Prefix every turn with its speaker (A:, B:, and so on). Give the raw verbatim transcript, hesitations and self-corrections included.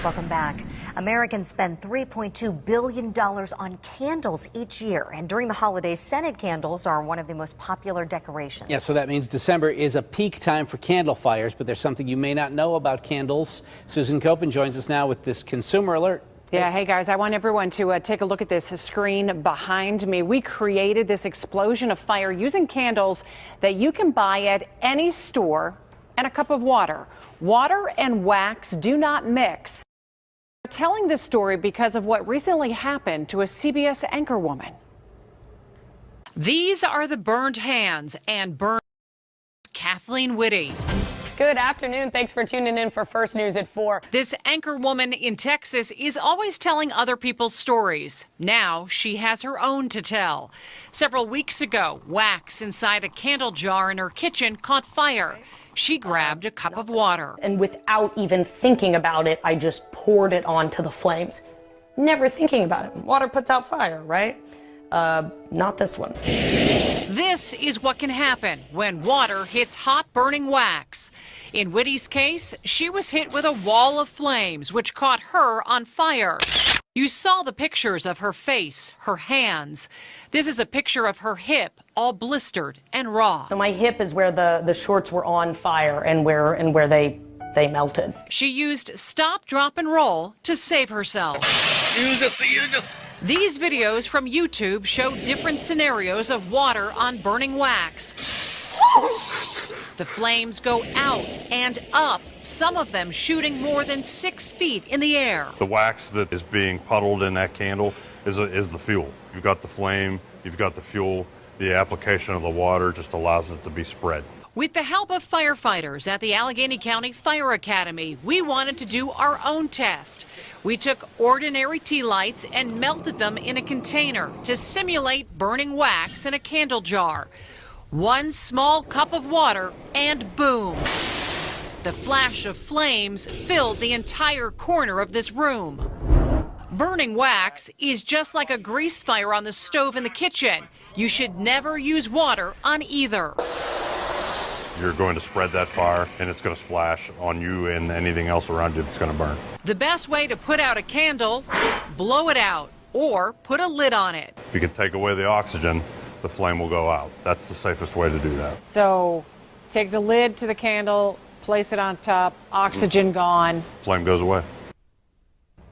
A: Welcome back. Americans spend three point two billion dollars on candles each year. And during the holidays, scented candles are one of the most popular decorations.
B: Yeah, so that means December is a peak time for candle fires, but there's something you may not know about candles. Susan Copen joins us now with this consumer alert.
C: Yeah, hey guys, I want everyone to uh, take a look at this screen behind me. We created this explosion of fire using candles that you can buy at any store and a cup of water. Water and wax do not mix. We're telling this story because of what recently happened to a C B S anchor woman.
D: These are the burned hands and burned Kathleen Whitty.
E: Good afternoon. Thanks for tuning in for First News at four.
D: This anchor woman in Texas is always telling other people's stories. Now she has her own to tell. Several weeks ago, wax inside a candle jar in her kitchen caught fire. She grabbed a cup of water.
E: And without even thinking about it, I just poured it onto the flames. Never thinking about it. Water puts out fire, right? Uh, not this one.
D: This is what can happen when water hits hot burning wax. In Whitty's case, she was hit with a wall of flames, which caught her on fire. You saw the pictures of her face, her hands. This is a picture of her hip, all blistered and raw.
E: So my hip is where the, the shorts were on fire and where and where they they melted.
D: She used stop, drop, and roll to save herself.
F: You just, you just.
D: These videos from YouTube show different scenarios of water on burning wax. The flames go out and up, some of them shooting more than six feet in the air.
G: The wax that is being puddled in that candle is, a, is the fuel. You've got the flame, you've got the fuel. The application of the water just allows it to be spread.
D: With the help of firefighters at the Allegheny County Fire Academy, we wanted to do our own test. We took ordinary tea lights and melted them in a container to simulate burning wax in a candle jar. One small cup of water and boom! The flash of flames filled the entire corner of this room. Burning wax is just like a grease fire on the stove in the kitchen. You should never use water on either.
G: You're going to spread that fire, and it's going to splash on you and anything else around you that's going to burn.
D: The best way to put out a candle, blow it out, or put a lid on it.
G: If you can take away the oxygen, the flame will go out. That's the safest way to do that.
C: So take the lid to the candle, place it on top, oxygen gone.
G: Flame goes away.